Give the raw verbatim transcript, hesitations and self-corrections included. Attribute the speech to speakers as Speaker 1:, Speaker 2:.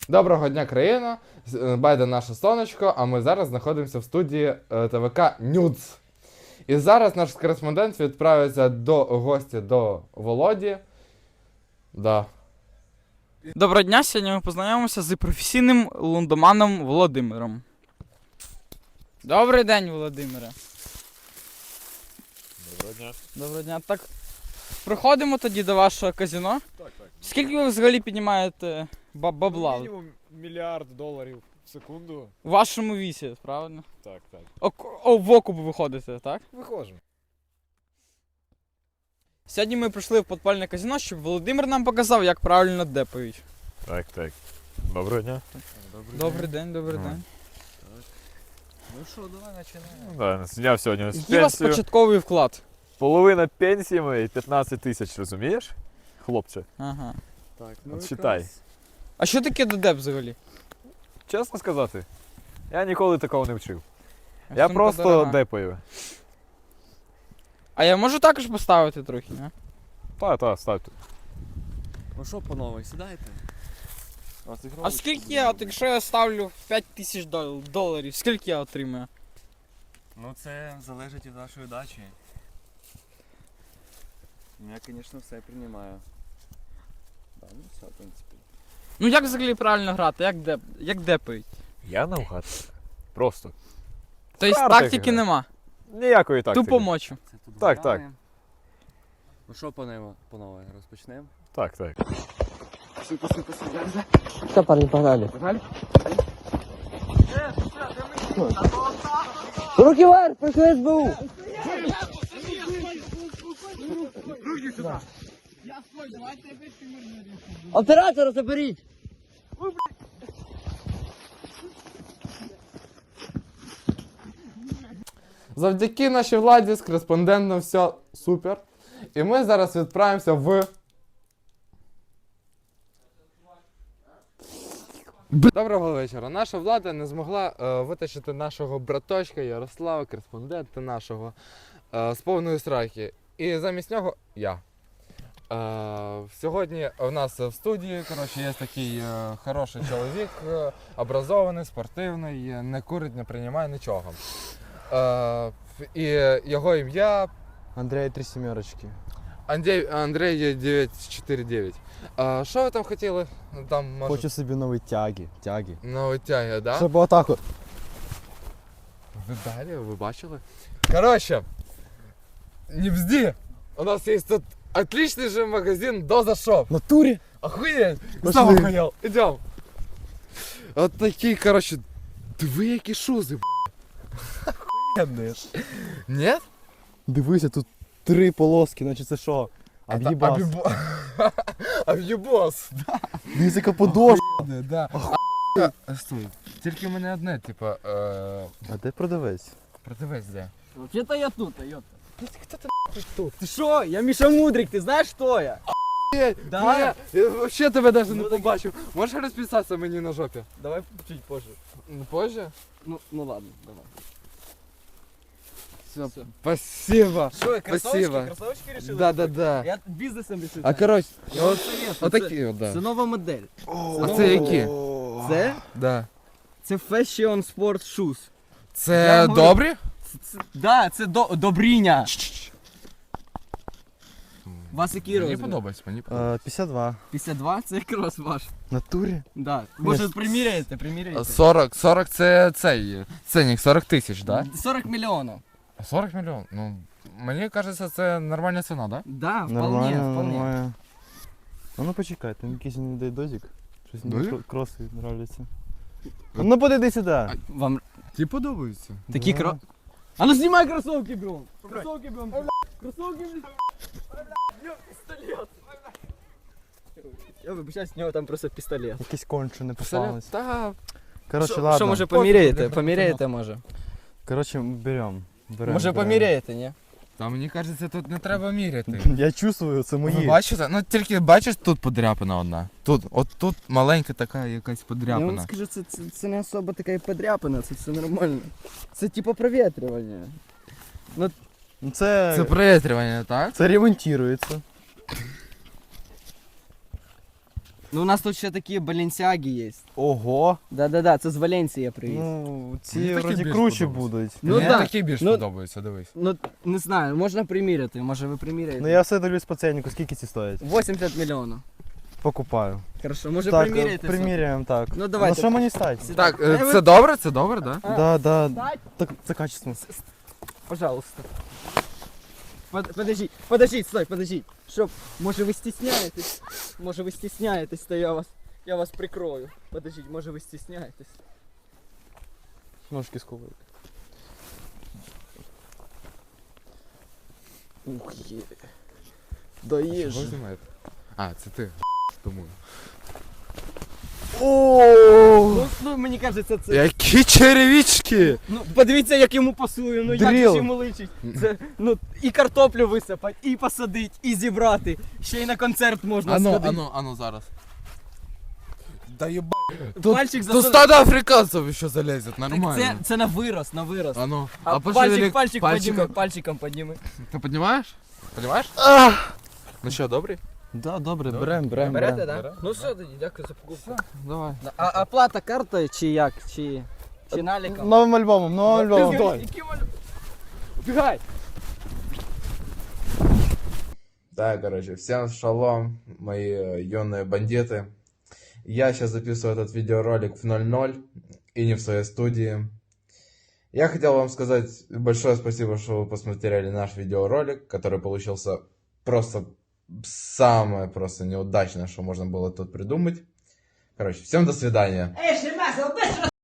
Speaker 1: Доброго дня, країна! Байде наше сонечко, а ми зараз знаходимося в студії ТВК Нюц. І зараз наш кореспондент відправиться до гостя до Володі. Да.
Speaker 2: Доброго дня, сьогодні ми познайомимося з професійним лундоманом Володимиром. Добрий день, Володимире.
Speaker 3: Доброго дня.
Speaker 2: Доброго дня. Так, проходимо тоді до вашого казино.
Speaker 3: Так, так.
Speaker 2: Скільки ви взагалі піднімаєте ба- бабла?
Speaker 3: Мінімум мільярд доларів в секунду.
Speaker 2: У вашому вісі, правильно?
Speaker 3: Так, так.
Speaker 2: О, о, в окуп виходите, так?
Speaker 3: Виходимо.
Speaker 2: Сьогодні ми прийшли в подпальне казино, щоб Володимир нам показав, як правильно депають.
Speaker 3: Так, так. Доброго дня.
Speaker 2: Добрий день, добрий
Speaker 3: Ага.
Speaker 2: день.
Speaker 4: Ну що, давай починаємо.
Speaker 3: Ну, да, зняв сьогодні з
Speaker 2: Який у вас
Speaker 3: пенсію.
Speaker 2: початковий вклад?
Speaker 3: Половина пенсії моєї п'ятнадцять тисяч, розумієш? Хлопче,
Speaker 2: Ага.
Speaker 4: Так,
Speaker 3: от
Speaker 4: якраз-
Speaker 3: читай.
Speaker 2: А що таке додеп взагалі?
Speaker 3: Чесно сказати, я ніколи такого не вчив.
Speaker 2: А
Speaker 3: Я
Speaker 2: сумка
Speaker 3: просто
Speaker 2: дорога.
Speaker 3: депаю.
Speaker 2: А я можу також поставити трохи, не?
Speaker 3: Та, та, ставте.
Speaker 4: Ну що, панове, сідайте.
Speaker 2: А скільки я, от якщо я ставлю п'ять тисяч дол- доларів, скільки я отримаю?
Speaker 4: Ну це залежить від вашої дачі. Я, звісно, все приймаю. Да, ну все, в принципі.
Speaker 2: Ну як взагалі правильно грати, як, деп, як депають?
Speaker 3: Я навгад. Просто.
Speaker 2: Тобто
Speaker 3: Карти
Speaker 2: тактики
Speaker 3: граю.
Speaker 2: нема,
Speaker 3: Ніякої тактики.
Speaker 2: тупо мочу.
Speaker 4: Це тут
Speaker 3: Так,
Speaker 4: гуляємо. Ну що, панове, панове, розпочнемо?
Speaker 3: Так, так.
Speaker 5: Все, парни, погнали. Руки вверх, пришли СБУ. Оператора заберіть.
Speaker 1: Завдяки нашій владі з кореспондентом все супер. І ми зараз відправимося в. Доброго вечора. Наша влада не змогла е, витащити нашого браточка Ярослава, кореспондента нашого, е, з повної сраки. І замість нього я. Е, сьогодні у нас в студії коротше, є такий е, хороший чоловік, е, образований, спортивний, е, не курить, не приймає нічого. Е, і його ім'я
Speaker 5: Андрей, три сімерочки.
Speaker 1: Андрій, Андрій дев'ять чотири дев'ять. А, що ви там хотіли? Там, може,
Speaker 5: Хочу собі нові тяги. Тяги.
Speaker 1: нові тяги, да?
Speaker 5: Щоб отак от.
Speaker 1: Ви далі, ви бачили? Короче, не бзди! У нас есть тут отличный же магазин Доза Шоп.
Speaker 5: В натурі?
Speaker 1: Охуеть!
Speaker 5: Пошли.
Speaker 1: Сам охуел. Идем. От такі, короче, диви які шузи, б***ь.
Speaker 5: Охуєнний.
Speaker 1: Нет?
Speaker 5: Дивися, тут три полоски, значить це що? Об'їбас.
Speaker 1: Об'єбо- Об'єбос.
Speaker 5: Дивися, яка подошва.
Speaker 1: Да. А, стой, тільки в мене одне, типа, е,
Speaker 5: А де продавець?
Speaker 1: продавець де?
Speaker 4: Вообще-то я тут, йота.
Speaker 1: Хто ти нахуй тут?
Speaker 4: Ти що? Я Міша Мудрик, ти знаєш, хто я? Да?
Speaker 1: Я, я вообще тебе даже не побачив. Можеш розписатися мені на жопі?
Speaker 4: Давай чуть позже.
Speaker 1: Ну, позже?
Speaker 4: Ну, ну ладно, давай.
Speaker 1: Все,
Speaker 4: Всё.
Speaker 1: спасибо.
Speaker 4: Що,
Speaker 1: Спасибо.
Speaker 4: кроссовочки решили?
Speaker 1: Да, да, да.
Speaker 4: Я бізнесом решив.
Speaker 1: А коротше,
Speaker 4: Я вам
Speaker 1: от,
Speaker 4: советую,
Speaker 1: отакі от,
Speaker 4: Це
Speaker 1: да.
Speaker 4: нова модель.
Speaker 1: А це які?
Speaker 4: Це?
Speaker 1: Да.
Speaker 4: Це Fashion Sport Shoes.
Speaker 1: Це
Speaker 4: Я говорю-
Speaker 1: добрі?
Speaker 4: Це, це, да, це до, добріня. У вас який
Speaker 1: Мені
Speaker 4: розмір?
Speaker 1: подобається, мені подобається.
Speaker 5: Е, п'ятдесят два.
Speaker 4: п'ятдесят два? Це якраз ваш.
Speaker 5: В натурі?
Speaker 4: Да. Може, приміряєте, приміряєте.
Speaker 1: сорок, сорок це цей ценник, сорок тисяч, да?
Speaker 4: сорок мільйонів.
Speaker 1: сорок мільйон. Ну, мені кажеться, це нормальна ціна, да?
Speaker 4: Да, вполне,
Speaker 5: Нормально,
Speaker 4: вполне.
Speaker 5: нормально. А ну почекай, там якийсь не дає дозик. Щось мені
Speaker 1: Дозик?
Speaker 5: кро- кроси нравляться. А ну подойди сюди.
Speaker 4: Вам
Speaker 1: Ті подобаються.
Speaker 4: такі
Speaker 5: Да.
Speaker 4: кро... А ну знімай кроссовки, бро! Кроссовки, бро! Кроссовки, бро! Я вибачаюсь, у нього там просто пістолет.
Speaker 5: Якийсь конче не
Speaker 1: Пістолет?
Speaker 5: попалось.
Speaker 1: Та,
Speaker 5: Коротше,
Speaker 4: Що,
Speaker 5: ладно.
Speaker 4: що, може,
Speaker 1: Пофіг,
Speaker 4: поміряєте?
Speaker 1: блін,
Speaker 4: Поміряєте, може?
Speaker 5: Коротше, берем. берем
Speaker 4: Може,
Speaker 5: берем.
Speaker 4: поміряєте, ні?
Speaker 1: та мені кажеться, тут не треба міряти.
Speaker 5: Я чувствую, це
Speaker 1: Ви
Speaker 5: мої.
Speaker 1: бачите? Ну тільки бачиш, тут подряпина одна. Тут, от тут маленька така якась
Speaker 4: Я вам
Speaker 1: подряпина.
Speaker 4: скажу, це, це, це не особо така і подряпина, це все нормально. Це типу провітрювання.
Speaker 5: Ну, Це,
Speaker 1: Це проветрювання, так?
Speaker 5: це ремонтується.
Speaker 4: Ну у нас тут ще такі баленсіаги є.
Speaker 5: Ого.
Speaker 4: Да-да-да, це з Валенції я привіз. Ну,
Speaker 5: Ну, ці
Speaker 1: Мені такі
Speaker 5: вроді
Speaker 1: більш
Speaker 5: круче
Speaker 1: подобаються.
Speaker 5: будуть.
Speaker 4: Ну
Speaker 1: Мені
Speaker 4: да.
Speaker 1: такі більш
Speaker 4: Ну-
Speaker 1: подобаються, дивись.
Speaker 4: не знаю, можна приміряти, може ви приміряєте.
Speaker 5: Ну я все дивлюсь по ценнику, скільки ці стоять?
Speaker 4: вісімдесят мільйонів.
Speaker 5: Покупаю.
Speaker 4: Хорошо, може
Speaker 5: Так,
Speaker 4: приміряєте?
Speaker 5: приміряємо, так.
Speaker 4: Ну, давайте.
Speaker 5: Ну що мені стать?
Speaker 1: Так,
Speaker 4: Е,
Speaker 1: е,
Speaker 4: ви-
Speaker 1: це добре, це добре, да?
Speaker 4: А,
Speaker 5: Да, да.
Speaker 4: Стать,
Speaker 5: Так, це качественно.
Speaker 4: пожалуйста. Под, подождіть, подождіть, стой, подождіть. Щоб, може ви стісняєтесь? Може ви стісняєтесь, то я вас, я вас прикрою. Подождіть, може ви стісняєтесь?
Speaker 5: Ножки сковують.
Speaker 4: Ух є. Доїж.
Speaker 1: Чого знімаєте? А, це ти. Тому.
Speaker 4: Ну, ну, мені кажеться, це...
Speaker 1: Які черевички!
Speaker 4: Ну, подивіться, як йому пасує, ну як
Speaker 5: Дріл.
Speaker 4: ж йому личить. Це, ну, і картоплю висипати, і посадити, і зібрати. Ще й на концерт можна
Speaker 1: Ано,
Speaker 4: сходити.
Speaker 1: ано, ано зараз. Да єба.
Speaker 4: Пальчик
Speaker 1: Тут
Speaker 4: засунути.
Speaker 1: стадо африканців ще залезет,
Speaker 4: Так
Speaker 1: нормально.
Speaker 4: це, це на вирос, на вирос.
Speaker 1: Ано.
Speaker 4: А,
Speaker 1: пошевели
Speaker 4: пальчик, пальчик
Speaker 1: пальчиком.
Speaker 4: подніми, пальчиком подніми.
Speaker 1: Ти піднімаєш? Піднімаєш? Ну що, добрий?
Speaker 5: Да, добре,
Speaker 1: Добре.
Speaker 5: берем, берем.
Speaker 4: Берете,
Speaker 5: берем.
Speaker 4: так?
Speaker 1: Берем.
Speaker 4: Ну все тоді, дякую за покупку.
Speaker 1: Давай.
Speaker 4: А оплата картою чи як? Чи, чи наліком?
Speaker 5: Новим альбомом, новим альбомом.
Speaker 4: Убігай!
Speaker 1: Так, короче, всем шалом, мои э, юные бандиты. Я сейчас записываю этот видеоролик в ноль ноль и не в своей студии. Я хотел вам сказать большое спасибо, что вы посмотрели наш видеоролик, который получился просто самое просто неудачное, что можно было тут придумать. Короче, всем до свидания.